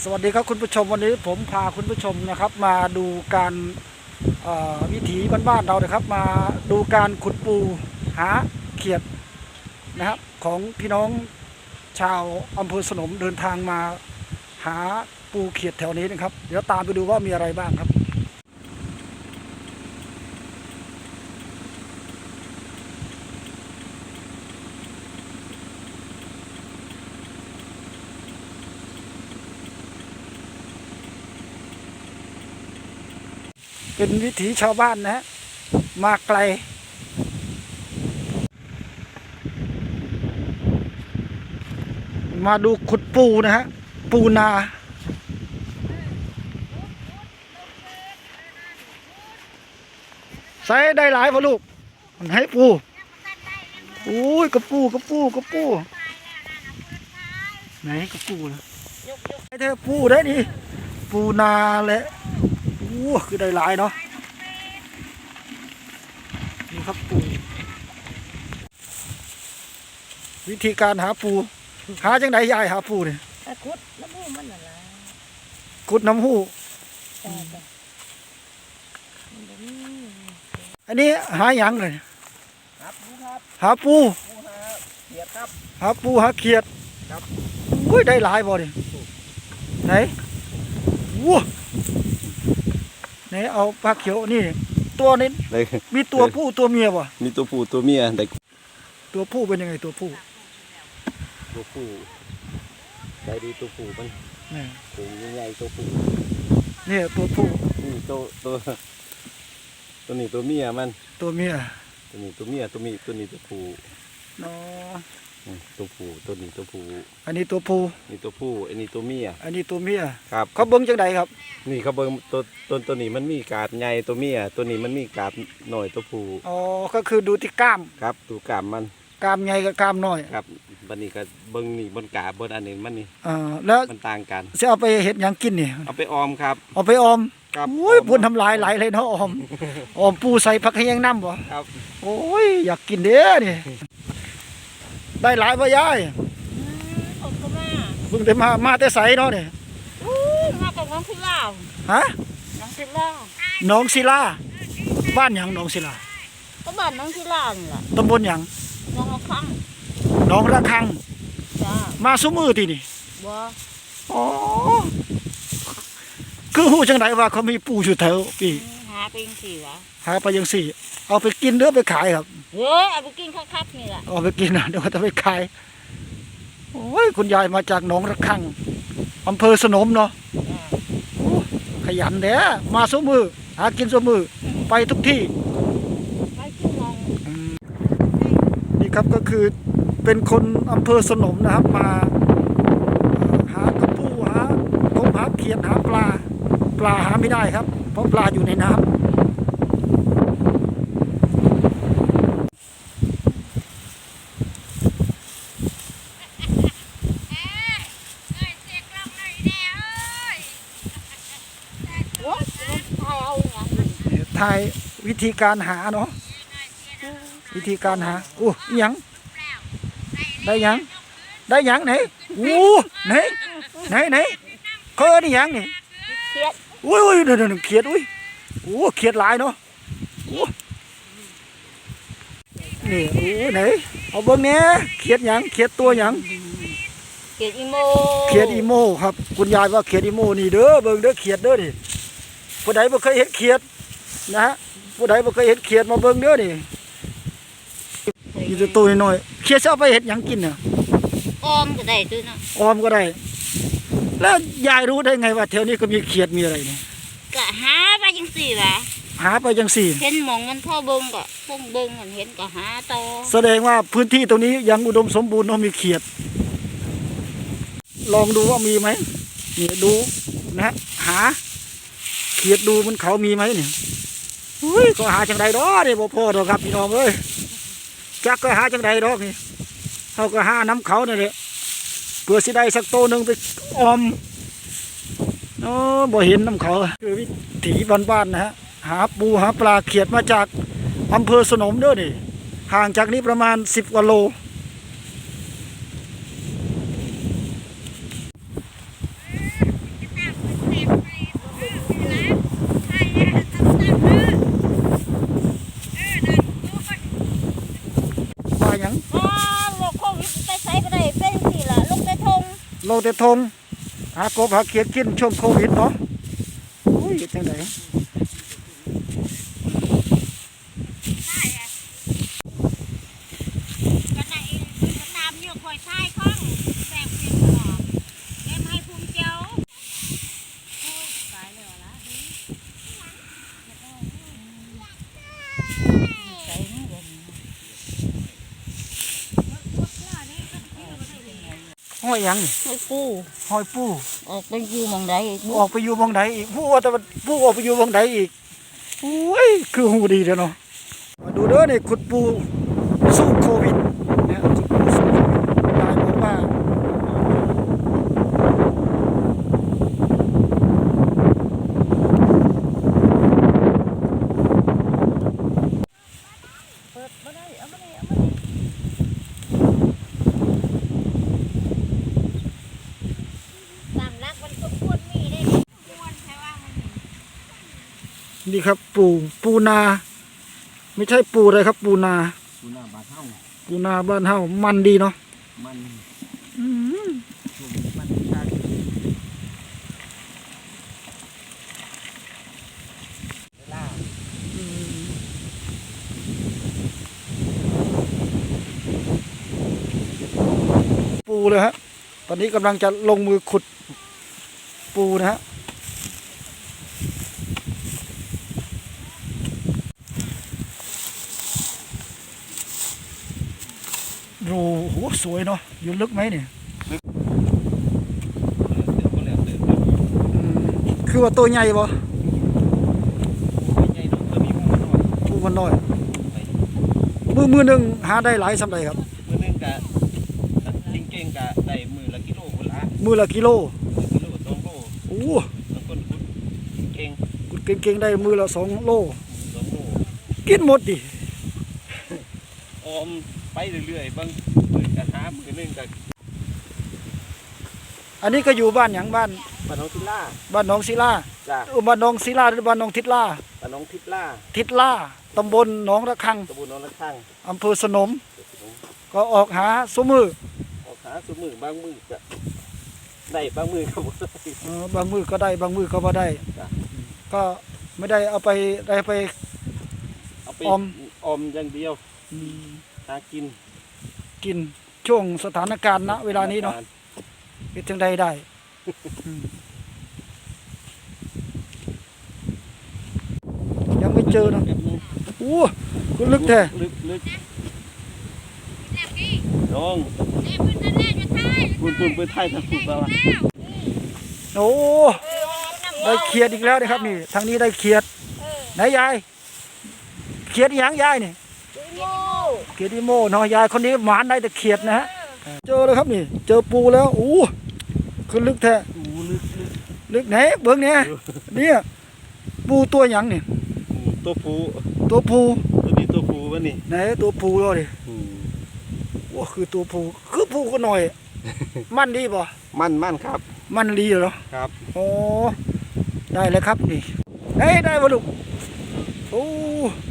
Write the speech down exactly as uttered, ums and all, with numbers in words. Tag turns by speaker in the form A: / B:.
A: สวัสดีครับคุณผู้ชมวันนี้ผมพาคุณผู้ชมนะครับมาดูการวิถีบ้านๆเรานะครับมาดูการขุดปูหาเขียดนะครับของพี่น้องชาวอำเภอสนมเดินทางมาหาปูเขียดแถวนี้นะครับเดี๋ยวตามไปดูว่ามีอะไรบ้างครับเป็นวิถีชาวบ้านนะฮะมาไกลมาดูขุดปูนะฮะปูนาใส่ได้หลายพอลูกมันให้ปูอุ้ยกระปูกระปูกระปูไหนกระปูนะไอ้เธอปูได้ดิปูนาแหละอู้คือได้หลายเนาะนี่ครับปูวิธีการหาปูหาจังไดยายหาปูเนี่ย
B: ขุดน้ำหูมันน่ะล่ะ
A: ขุดน้ำหูอันนี้หาหยังเลยหาปูครับหาปูหาเขียดครับหาปูหาเขียดครับอุ้ยได้หลายบ่ดิไหนว้าไหนเอาปลาเขียวนี่ตัวนี้มีตัวผู้ตัวเมียป่ะ
C: มีตัวผู้ตัวเมียแต่
A: ตัวผู้เป็นยังไงตัวผู้
C: ตัวผู้ใจดีตัวผู้มัน
A: นี่
C: ตัวใหญ่ตัวผู้
A: เนี่ยตัวผู้
C: นี่ตัวตัวตัวนี้ตัวเมียมัน
A: ตัวเมีย
C: ตัวนี้ตัวเมียตัวมีตัวนี้ตัวผู้
A: เนาะ
C: ตัวผู้ตัวนี้ตัวผู้
A: อันนี้ตัวผู้
C: นี่ตัวผู้อันนี้ตัวเมีย
A: อันนี้ตัวเมีย
C: ครับ
A: เขาเบิ้งจังใดครับ
C: นี่เขาเบิ้งตัวตัวตัวนี้มันมีกาดใหญ่ตัวเมียตัวนี้มันมีกาดหน่อยตัวผู้
A: อ๋อก็คือดูที่กล้าม
C: ครับดูกล้ามมัน
A: กล้ามใหญ่กับกล้ามน้อย
C: ครับบันนี้ก็เบิ้งนี่บนกาบนอันนี้มันนี่
A: อ่าแล้ว
C: มันต่างกัน
A: จะเอาไปเห็ดยังกินนี่
C: เอาไปออมครับ
A: เอาไปออม
C: ครับ
A: โอ้ยพูนทำลายไหลเลยเนาะออมออมปูใส่ผักขยังน้ำบ่
C: ครับ
A: โอ้ยอยากกินเด้อนี่ได้หลายป่ะยาย
B: ผมก็มา
A: เพิ่งได้มามาแต่ใสเนาะนี่
B: มาจากน้องศิลา
A: ฮะ
B: น้องศิลา
A: น้องศิลาบ้านหยังน้องศิลา
B: ก็บ้านน้องศิลานี่แหละ
A: ตำบลหยัง
B: น้องระฆัง
A: น้องระฆัง
B: จ้า
A: มาซุมือที่นี่
B: บ่
A: อ๋อคือหูจังไดว่าเขามีปูอยู่แถวพี่
B: หาไปยังสี่วะ
A: หาไปยังสี่เอาไปกินหรือไปขายครับ
B: เฮ้ยเอาไปกินคักๆนี่แหละ
A: เอาไปกินนะเดี๋ยวจะไปขายโอ้ยคุณยายมาจากหนองระฆังอำเภอสนมเนาะขยันเด้อมาซุมือหากินซุมือไปทุกที่
B: ไปทุกมอง
A: นี่ครับก็คือเป็นคนอำเภอสนมนะครับมาหากระปูหาตงหาเขียดหาปลาปลาหาไม่ได้ครับเพราะปลาอยู่ในน้ำถ่ายวิธีการหาเนาะวิธีการหาโอ้ยังได้ยังได้ยังไหนโอ้ไหนไหนไหนเขาเอิ้นยังนี่
B: เขียด
A: อุ้ยอุ้ยเดี๋ยวเดี๋ยวเขียดอุ้ยโอ้เขียดหลายเนาะโอ้นี่โอ้ไหนเอาเบิ้งเนี้ยเขียดยังเขียดตัวยัง
B: เขียดอีโม
A: เขียดอีโมครับคุณยายว่าเขียดอีโมนี่เด้อเบิ้งเด้อเขียดเด้อดิผู้ใดบ่เคยเห็นเขียดนะฮะผู้ใดบ่เคยเห็นเขียดมาเบิ้งเด้อนี่อยู่ตัวตัวน้อยเขียดจะเอาไปเห็ดยังกินเนี่ย
B: ออมก็ได้ด้วยนะ
A: ออมก็ได้แล้วยายรู้ได้ไงว่าแถวนี้ก็มีเขียดมีอะไรเนี่ย
B: ก็หาไปยังสี่วะ
A: หาไปยังสี่
B: เห็นหมองมันพ่อเบิ้งก็เบิ้งเบิ้งเห็นก็หาต่อ
A: แสดงว่าพื้นที่ตรงนี้ยังอุดมสมบูรณ์เนาะมีเขียดลองดูว่ามีไหมเนี่ยดูนะหาเขียดดูมันเขามีไหมเนี่ยอุ้ยก็หาจังใดดอกนี่บ่พอดอกครับพี่น้องเอ้ยจักก็หาจังใดดอกนี่เขาก็หาน้ำเขาเนี่ยแหละเพื่อสิได้สักโตหนึ่งไปออมเนาะบ่เห็นน้ำเขาคือวิถีบ้านๆนะฮะหาปูหาปลาเขียดมาจากอำเภอสนมเด้อนี่ห่างจากนี้ประมาณสิบกว่าโลแต่ทงหากบหาเขียดกินช่วงโควิดเนาะโอ้ยจังได
B: ก็ได้ก็ตามอยู่คอยท้ายข้องแสงเพียงตลอดเอ็มให้ภูมิเจ้าโอ้ยตายแล้วล่ะใจนี่เด่น
A: ห้อยหยังนี่
B: ให้ปู
A: ห้อยปู
B: ออกไปอยู่หมองใดอีกบุ
A: ออกไปอยู่บงใดอีกผู้ว่าแต่ว่าผู้ออกไปอยู่บงใดอีกโอ้ยคือหูดีเด้อเนาะมาดูเด้อนี่ขุดปูสู้โควิดเนี่ยขุดปูสู้โควิดยายบอกว่า
B: เปิดบ่ได้เอามานี่เอามานี่สามลักมันก็ควรมีได้ควรใช่ว่ามัน
A: นี่ครับปูปูนา ไม่ใช่ปูอะไรครับ ปูนา
C: ปูนาบาเท่า
A: ปูนาบ้านเฮามันดีเนาะ
C: มัน
A: อืม
C: มันชาติ
A: ปูเลยฮะตอนนี้กำลังจะลงมือขุดปูนะฮะโอ้โหสวยเนาะอยู่ลึกไหมเนี่ยอืมคือว่าตัวใหญ่บ่ปูมันน้อยมือมือหนึ่งหาได้หลายสำใดครับ
C: มือนึงกะจริงเก่งกะได้มือละกิโลคนละ
A: มือละกิโล
C: กิโลสองโล
A: โอ้
C: บางคนคุดเก่ง
A: กุดเก่งๆได้มือละสองโล
C: สองโล
A: กินหมดดิ
C: ออมไปเรื่อยๆบางมือกะหามือนึงกะ
A: อันนี้ก็อยู่บ้านหยังบ้าน
C: ปะน้องทิล่า
A: บ้านหนองศิลา
C: จ้ะ
A: เออบ้านหนองศิลาหรือบ้านหนองทิดลา
C: ปะน้องทิล่า
A: ทิดลาตำบลหนองระฆัง
C: ตะบูนน้องละข้าง
A: อำเภอสนม ก็ออกหาสมือ
C: ออกหาสมือบางมือกะได้บางมือก็บ่ได้
A: เออบางมือก็ได้บางมือก็บ่ได้
C: จ้ะ
A: ก็ไม่ได้เอาไปได้ไป
C: เอาไป
A: ออม
C: ออมอย่างเดียว
A: อืม
C: หากิน
A: กินช่วงสถานการณ์ณเวลานี้เนาะเป็นจังใดได้อืมยังไม่เจอเนาะโอ้คุณลึกแท้
C: ลึกลึกน้อง
B: เอ้ยพื้นนั่นแหละอยู่ท้าย
C: ปุ่นปุ่นไปไทยทางปุ่นมา
A: โอ้ได้เขียดอีกแล้วนะครับนี่ทางนี้ได้เขียดไหนยายเขียดอีหยังยายนี่
B: โม่
A: เขียดอีโมเนาะยายคนนี้หมานได้แต่เขียดนะฮะเจอแล้วครับนี่ เจอปูแล้วโอ้คือลึกแท้
C: ปูลึกลึก
A: ลึกไหนเบิ้งเนี่ยเนี่ยปูตัวหยังนี่
C: ตัวปู
A: ตัวปู
C: ตัวนี้ตัวปูวะนี่
A: ไหนตัวปูรอดิโอ้คือตัวปูคือปูก็หน่อย มันดีป่ะ
C: มันมันครับ
A: มันดีเหรอ
C: ครับ
A: โอ้ได้แล้วครับนี่เฮ้ยได้ป่ะลูกโอ้